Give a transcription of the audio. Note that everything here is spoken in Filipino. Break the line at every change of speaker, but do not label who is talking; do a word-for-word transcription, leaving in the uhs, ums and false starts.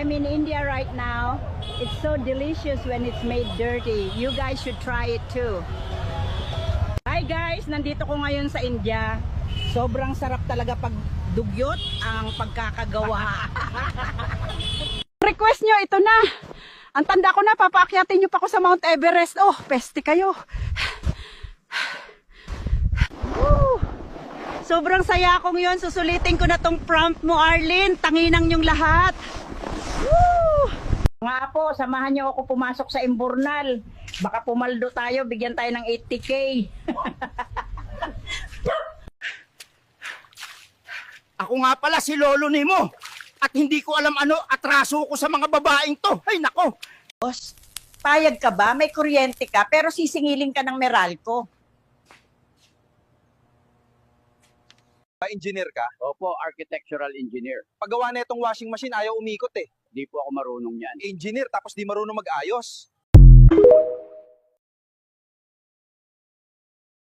I'm in India right now. It's so delicious when it's made dirty. You guys should try it too. Hi guys, nandito ko ngayon sa India. Sobrang sarap talaga pag dugyot ang pagkakagawa. Request nyo, ito na. Ang tanda ko na, papaakyatin nyo pa ako sa Mount Everest. Oh, peste kayo. Woo! Sobrang saya akong yun. Susulitin ko na tong prompt mo, Arlene. Tanginang yung lahat. Woo! Mga apo, samahan nyo ako pumasok sa Imburnal. Baka pumaldo tayo, bigyan tayo ng eighty K.
Ako nga pala si Lolo Nemo. At hindi ko alam ano, atraso ko sa mga babaeng to. Ay nako.
Boss, payag ka ba? May kuryente ka, pero sisingilin ka ng Meralco.
Engineer ka?
Opo, architectural engineer.
Paggawa na itong washing machine, ayaw umikot eh.
Di po ako marunong yan.
Engineer, tapos di marunong mag-ayos.